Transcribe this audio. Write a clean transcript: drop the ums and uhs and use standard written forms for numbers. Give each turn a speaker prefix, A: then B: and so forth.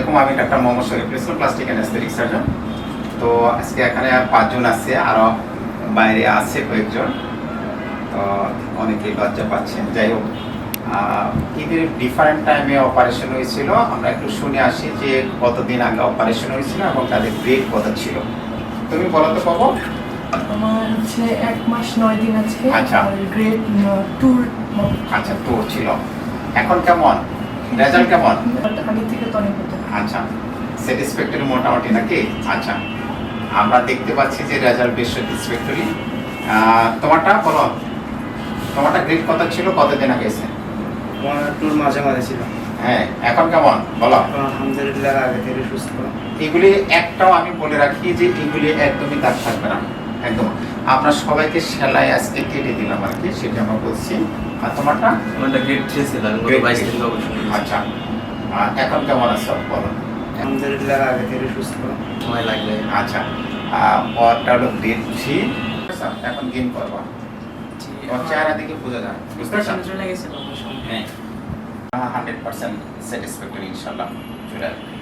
A: আলাইকুম, আমি doctor Mohammad Shariful Islam, plastic and aesthetic surgeon. তো আজকে এখানে 5 জন আছে, আরও বাইরে আছে কয়েকজন। তো অনেকেই লজ্জা পাচ্ছেন। যাই হোক, ঈদের ডিফারেন্ট টাইমে অপারেশন হয়েছিল। আমরা একটু শুনে আসি যে কতদিন আগে অপারেশন হয়েছিল এবং তাদের গ্রেড কত ছিল। তুমি বলো তো পাবো।
B: আমার হচ্ছে 1 মাস 9 দিন আছে।
A: আচ্ছা।
B: Grade tour.
A: আচ্ছা, তো ছিল। এখন কেমন রেজাল্ট কেমন?
B: আগের থেকে তো অনেক হতো।
A: আচ্ছা, স্যাটিসফ্যাক্টরি মোটামুটি নাকি? আচ্ছা, আমরা দেখতে পাচ্ছি যে রেজাল্ট বেশ স্যাটিসফ্যাক্টরি। তোমারটা বলো, তোমারটা গ্রেড কত ছিল, কতদিন আগে এসে?
C: আমার টুর মাঝে মাঝে ছিল।
A: হ্যাঁ, এখন কেমন বলো?
C: আলহামদুলিল্লাহ, আগে থেকে সুস্থ।
A: এগুলি একটাও আমি বলে রাখি যে এগুলি একদমই দাগ থাকবে না, একদম। আমরা সবাইকে সেলাই আজকে কেটে দিলাম আর কি, সেটা আমরা বলছি। আর তোমারটা?
D: আমারটা গ্রেড 3 ছিল, আমি গত 22 দিন অবশ্যই।
A: আচ্ছা, এখন কেমন আছো বলো?
C: আলহামদুলিল্লাহ, আগে থেকে সুস্থ।
D: সময় লাগবে।
A: আচ্ছা, ওটা হলো গ্রেড 3। এখন গেম করবা, তোমার চেহারা দেখে বোঝা যায়, বুঝতে পারছো?
B: চলে গেছে অবশ্য।
A: হ্যাঁ, 100% স্যাটিসফ্যাক্টরি ইনশাআল্লাহ চলে আসবে।